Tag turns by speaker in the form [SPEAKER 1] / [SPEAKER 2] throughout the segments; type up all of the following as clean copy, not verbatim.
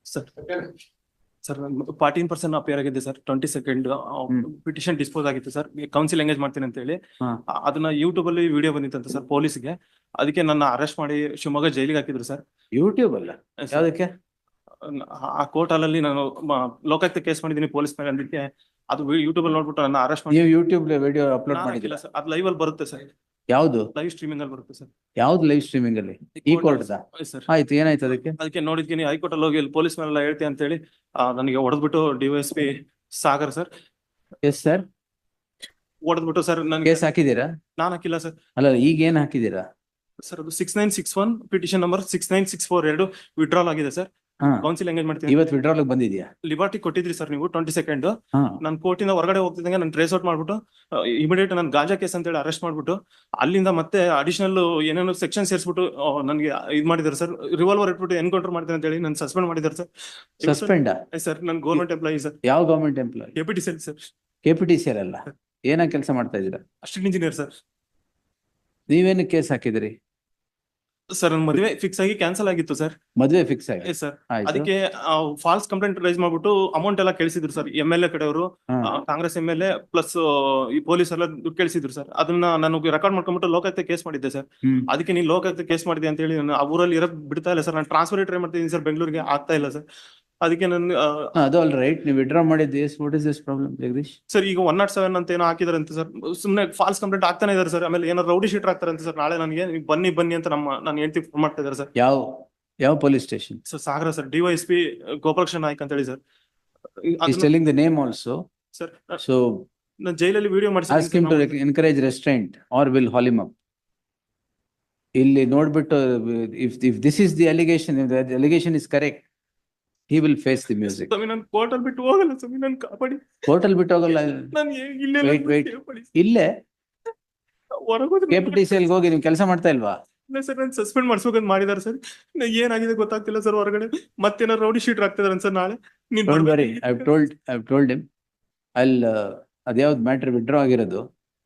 [SPEAKER 1] Sir sir 14% appear ಆಗಿದೆ sir. 22nd petition dispose ಆಗಿತ್ತು sir. Counsel engage ಮಾಡ್ತೀನಿ ಅಂತ ಹೇಳಿ ಅದನ್ನ ಯೂಟ್ಯೂಬ್ ಅಲ್ಲಿ ವಿಡಿಯೋ ಬಂದಿತ್ತಂತ ಸರ್ ಪೊಲೀಸ್ಗೆ. ಅದಕ್ಕೆ ನನ್ನ ಅರೆಸ್ಟ್ ಮಾಡಿ ಶಿವಮೊಗ್ಗ ಜೈಲಿಗೆ ಹಾಕಿದ್ರು ಸರ್.
[SPEAKER 2] ಯೂಟ್ಯೂಬ್ ಅಲ್ಲ ಯಾವ್ದಕ್ಕೆ?
[SPEAKER 1] ಆ ಕೋರ್ಟ್ ಅಲ್ಲಿ ನಾನು ಲೋಕಾಯುಕ್ತ ಕೇಸ್ ಮಾಡಿದ್ದೀನಿ ಪೊಲೀಸ್ ಮೇಲೆ. ಅದಕ್ಕೆ ಅದು ಯೂಟ್ಯೂಬ್ ಅಲ್ಲಿ ನೋಡ್ಬಿಟ್ಟು ನನ್ನ ಅರೆಸ್ಟ್ ಮಾಡಿ.
[SPEAKER 2] ನೀವು ಯೂಟ್ಯೂಬ್ ವಿಡಿಯೋ ಅಪ್ಲೋಡ್ ಮಾಡಿಲ್ಲ
[SPEAKER 1] ಸರ್? ಅದು ಲೈವ್ ಅಲ್ಲಿ ಬರುತ್ತೆ ಸರ್.
[SPEAKER 2] ಯಾವ್ದು
[SPEAKER 1] ಲೈವ್ ಸ್ಟ್ರೀಮಿಂಗ್ ಅಲ್ಲಿ ಬರುತ್ತೆ ಸರ್.
[SPEAKER 2] ಯಾವ್ದು ಲೈವ್ ಸ್ಟ್ರೀಮಿಂಗ್ ಅಲ್ಲಿ? ಈ ಕೋರ್ಟ್
[SPEAKER 1] ಸರ್
[SPEAKER 2] ಆಯ್ತು, ಏನಾಯ್ತು ಅದಕ್ಕೆ?
[SPEAKER 1] ಅದಕ್ಕೆ ನೋಡಿದ್ತೀನಿ ಹೈಕೋರ್ಟ್ ಅಲ್ಲಿ ಹೋಗಿ ಪೊಲೀಸ್ ಮೇಲೆಲ್ಲ ಹೇಳ್ತೀನಿ ಅಂತ ಹೇಳಿ ನನಗೆ ಹೊಡೆದ್ಬಿಟ್ಟು DYSP Sagar sir.
[SPEAKER 2] Yes sir,
[SPEAKER 1] ಹೊಡೆದ್ಬಿಟ್ಟು ಸರ್ ನನಗೆ
[SPEAKER 2] ಕೇಸ್ ಹಾಕಿದೀರಾ?
[SPEAKER 1] ನಾನು ಹಾಕಿಲ್ಲ ಸರ್.
[SPEAKER 2] ಅಲ್ಲ, ಈಗ ಏನ್ ಹಾಕಿದೀರಾ
[SPEAKER 1] ಸರ್? ಅದು 6961 ಪಿಟಿಷನ್ ನಂಬರ್ 69642 ವಿಡ್ರಾಲ್ ಆಗಿದೆ ಸರ್. ಕೌನ್ಸಿಲ್ ಎಂಗೇಜ್ ಮಾಡ್ತೀನಿ.
[SPEAKER 2] ಇವತ್ತು ವಿಡ್ರಾಲ್ ಬಂದಿದ್ಯಾ?
[SPEAKER 1] ಲಿಬರ್ಟಿ ಕೊಟ್ಟಿದ್ರಿ ಸರ್ ನೀವು 22nd. ನಾನು ಕೋರ್ಟಿಂದ ಹೊರಗಡೆ ಹೋಗ್ತಿದ್ದಂಗೆ ನಾನು ಟ್ರೇಸ್ ಔಟ್ ಮಾಡ್ಬಿಟ್ಟು ಇಮಿಡಿಯೇಟ್ ನಾನು ಗಾಂಜಾ ಕೇಸ್ ಅಂತ ಹೇಳಿ ಅರೆಸ್ಟ್ ಮಾಡ್ಬಿಟ್ಟು ಅಲ್ಲಿಂದ ಮತ್ತೆ ಅಡಿಷನಲ್ ಏನೇನೋ ಸೆಕ್ಷನ್ ಸೇರಿಸ್ಬಿಟ್ಟು ನನಗೆ ಇದು ಮಾಡಿದ್ದಾರೆ ಸರ್. ರಿವಾಲ್ವರ್ ಇಟ್ಬಿಟ್ಟು ಎನ್ಕೌಂಟರ್ ಮಾಡ್ತೀನಿ ಅಂತ ಹೇಳಿ ನಾನು ಸಸ್ಪೆಂಡ್ ಮಾಡಿದ್ದಾರೆ ಸರ್.
[SPEAKER 2] ಸಸ್ಪೆಂಡ್
[SPEAKER 1] ಸರ್ ನಾನು ಗೌರ್ಮೆಂಟ್ ಎಂಪ್ಲಾಯಿ ಸರ್.
[SPEAKER 2] ಯಾವ government employee?
[SPEAKER 1] KPTCL sir.
[SPEAKER 2] KPTCL ಅಲ್ಲ, ಏನ ಕೆಲಸ ಮಾಡ್ತಾ ಇದ್ದೀರಾ?
[SPEAKER 1] Assistant engineer sir.
[SPEAKER 2] ನೀವೇನು ಕೇಸ್ ಹಾಕಿದ್ರಿ
[SPEAKER 1] ಸರ್? ಮದುವೆ ಫಿಕ್ಸ್ ಆಗಿ ಕ್ಯಾನ್ಸಲ್ ಆಗಿತ್ತು ಸರ್.
[SPEAKER 2] ಮದುವೆ ಫಿಕ್ಸ್ ಆಗಿ
[SPEAKER 1] ಸರ್. ಅದಕ್ಕೆ ಫಾಲ್ಸ್ ಕಂಪ್ಲೇಂಟ್ ರೈಸ್ ಮಾಡ್ಬಿಟ್ಟು ಅಮೌಂಟ್ ಎಲ್ಲ ಕೇಳಿಸಿದ್ರು ಸರ್. MLA ಕಡೆಯವರು, ಕಾಂಗ್ರೆಸ್ MLA ಪ್ಲಸ್ ಈ ಪೊಲೀಸ್ ಎಲ್ಲ ದುಡ್ಡು ಕೇಳಿಸಿದ್ರು ಸರ್. ಅದನ್ನ ನಾನು ರೆಕಾರ್ಡ್ ಮಾಡ್ಕೊಂಡ್ಬಿಟ್ಟು ಲೋಕಾಯುಕ್ತ ಕೇಸ್ ಮಾಡಿದ್ದೆ ಸರ್. ಅದಕ್ಕೆ ನೀನು ಲೋಕಾಯುಕ್ತ ಕೇಸ್ ಮಾಡಿದೆ ಅಂತ ಹೇಳಿ ನಾನು ಆ ಊರಲ್ಲಿ ಇರಕ್ ಬಿಡ್ತಾ ಇಲ್ಲ ಸರ್. ನಾನು ಟ್ರಾನ್ಸ್ಫರ್ ಟ್ರೈ ಮಾಡ್ತಿದ್ದೀನಿ ಸರ್, ಬೆಂಗಳೂರಿಗೆ ಆಗ್ತಾ ಇಲ್ಲ ಸರ್. ಅದಕ್ಕೆ ನಾನು
[SPEAKER 2] ಅದು ಆಲ್ ರೈಟ್, ನೀವು ವಿಡ್ರಾ ಮಾಡಿದ್ದೆ. What is this problem Jagadish?
[SPEAKER 1] Sir ಈಗ 107 ಅಂತ ಏನೋ ಹಾಕಿದಾರೆ ಅಂತ ಸರ್. ಸುಮ್ಮನೆ ಫಾಲ್ಸ್ ಕಂಪ್ಲೇಂಟ್ ಆಗ್ತಾನೆ ಇದಾರೆ ಸರ್. ಆಮೇಲೆ ಏನೋ ರೌಡಿ ಶೀಟರ್ ಆಗ್ತಾರೆ ಅಂತ ಸರ್. ನಾಳೆ ನನಗೆ ಬನ್ನಿ ಅಂತ ನಾನು ಹೇಳ್ತಿ ಫೋನ್ ಮಾಡ್ತಾ ಇದ್ದಾರೆ ಸರ್.
[SPEAKER 2] ಯಾವ police station?
[SPEAKER 1] Sir Sagara sir. DYSP Gopalakrishna Naik ಅಂತ ಹೇಳಿ sir.
[SPEAKER 2] He's telling the name also.
[SPEAKER 1] Sir
[SPEAKER 2] So
[SPEAKER 1] ನಾನು ಜೈಲಲ್ಲಿ video
[SPEAKER 2] ask him to encourage restraint or will haul him up. ಇಲ್ಲಿ ನೋಡ್ಬಿಟ್ಟು if this is the allegation, if the allegation is correct, he will face the music.
[SPEAKER 1] ನಾನು court ಅಲ್ಲಿ ಬಿಟ್ಟು ಹೋಗಲ್ಲ ಸ್ವಾಮಿ, ನಾನು ಕಾಪಾಡಿ.
[SPEAKER 2] ಕೋರ್ಟ್ ಅಲ್ಲಿ ಬಿಟ್ಟು ಹೋಗಲ್ಲ.
[SPEAKER 1] ನಾನು
[SPEAKER 2] wait. ಇಲ್ಲೇ
[SPEAKER 1] ಹೊರಗೋದ್ರೆ
[SPEAKER 2] KPTCL ಹೋಗಿ ನೀವು ಕೆಲಸ ಮಾಡ್ತಾ ಇಲ್ವಾ?
[SPEAKER 1] ಇಲ್ಲ ಸರ್, ನಾನು ಸಸ್ಪೆಂಡ್ ಮಾಡ್ಸ್ಬೇಕಂತ ಮಾಡಿದಾರೆ ಸರ್. ಏನಾಗಿದೆ ಗೊತ್ತಾಗ್ತಿಲ್ಲ ಸರ್. ಹೊರಗಡೆ ಮತ್ತೇನಾರು ರೌಡಿ ಶೀಟರ್ ಆಗ್ತಿದಾರೆ ಸರ್. ನಾಳೆ
[SPEAKER 2] Don't worry, I've told him. ಅದ್ಯಾವ್ದು ಮ್ಯಾಟ್ರ್ ವಿಡ್ರಾ ಆಗಿರೋದು?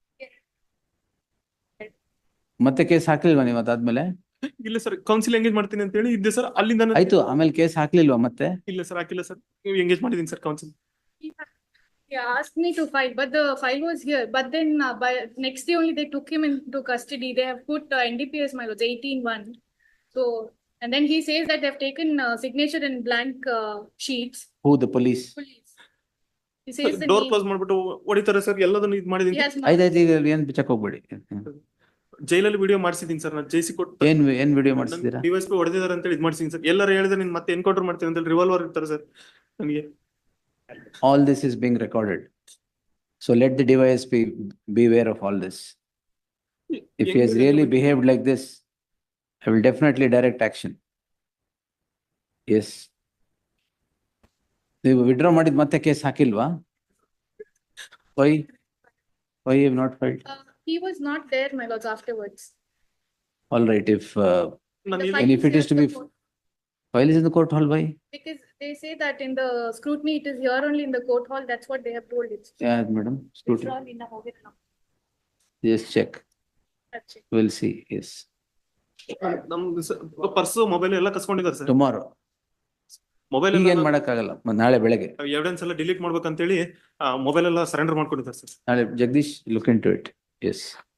[SPEAKER 2] ಮತ್ತೆ ಕೇಸ್ ಹಾಕ್ಲಿಲ್ವಾ ನೀವು ಅದಾದ್ಮೇಲೆ?
[SPEAKER 1] ಇಲ್ಲ ಸರ್, ಕೌನ್ಸಿಲ್ ಎಂಗೇಜ್ ಮಾಡ್ತೀನಿ ಅಂತ ಹೇಳಿ ಇದ್ದೆ ಸರ್. ಅಲ್ಲಿಂದ
[SPEAKER 2] ಆಯ್ತು, ಆಮೇಲೆ ಕೇಸ್ ಹಾಕ್ಲಿಲ್ವಾ ಮತ್ತೆ?
[SPEAKER 1] ಇಲ್ಲ ಸರ್, ಹಾಕಿಲ್ಲ ಸರ್. ನೀವು ಎಂಗೇಜ್ ಮಾಡಿದೀನಿ sir counsel.
[SPEAKER 3] He asked me to file, but the file was here. But then by next day only they took him into custody. They have put NDPS my lords 18-1. So and then he says that they have taken signature in blank sheets.
[SPEAKER 2] Who? The police?
[SPEAKER 3] He says the
[SPEAKER 1] door close ಮಾಡ್ಬಿಟ್ಟು ಹೊಡಿತಾರೆ sir. ಎಲ್ಲದನ್ನು ಇದು ಮಾಡಿದೀನಿ.
[SPEAKER 2] ಆಯ್ತಾಯ್ತು, ಈಗ ಏನ್ check ಹೋಗ್ಬೇಡಿ.
[SPEAKER 1] ಜೈಲಲ್ಲಿ ವಿಡಿಯೋ ಮಾಡಿಸಿದೀನಿ ಸರ್. ನಾನು ಜೈಸಿ ಕೊಟ್ಟು
[SPEAKER 2] ಏನ್ ವಿಡಿಯೋ ಮಾಡಿಸಿದೀರಾ?
[SPEAKER 1] DYSP ಹೊಡೆದಿದ್ದಾರೆ ಅಂತ ಹೇಳಿ ಇದು ಮಾಡಿಸಿದೀನಿ ಸರ್. ಎಲ್ಲರೂ ಹೇಳಿದ್ರೆ ನೀನ್ ಮತ್ತೆ ಎನ್ಕೌಂಟರ್ ಮಾಡ್ತೀನಿ ಅಂತ ಹೇಳಿ ರಿವಾಲ್ವರ್ ಇರ್ತಾರೆ ಸರ್ ನನಗೆ.
[SPEAKER 2] All this is being recorded. So let the DYSP beware of all this. If he has really behaved like this, I will definitely direct action. Yes. ನೀವು ವಿಡ್ರಾ ಮಾಡಿದ ಮತ್ತೆ ಕೇಸ್ ಹಾಕಿಲ್ವಾ? Why you have not filed?
[SPEAKER 3] He was not there, my lords, afterwards.
[SPEAKER 2] All right, if
[SPEAKER 3] If
[SPEAKER 2] it is to be file is in the court hall, why?
[SPEAKER 3] Because they say that in the scrutiny it is here only in the court hall. That's what they have told it.
[SPEAKER 2] Yeah, madam. Yes, check. We'll see. Yes.
[SPEAKER 1] ನಮ್ದು purse mobile ಎಲ್ಲ ಕಸ್ಕೊಂಡಿದ್ದಾರೆ sir.
[SPEAKER 2] Tomorrow.
[SPEAKER 1] Mobile
[SPEAKER 2] ಏನ್ ಮಾಡಕ್ಕಾಗಲ್ಲ, ನಾಳೆ ಬೆಳಗ್ಗೆ
[SPEAKER 1] evidence ಎಲ್ಲ delete ಮಾಡ್ಬೇಕಂತೇಳಿ mobile ಎಲ್ಲ ಸರೆಂಡರ್ ಮಾಡ್ಕೊಂಡಿದ್ದಾರೆ ಸರ್.
[SPEAKER 2] ನಾಳೆ Jagadish look into it. Yes.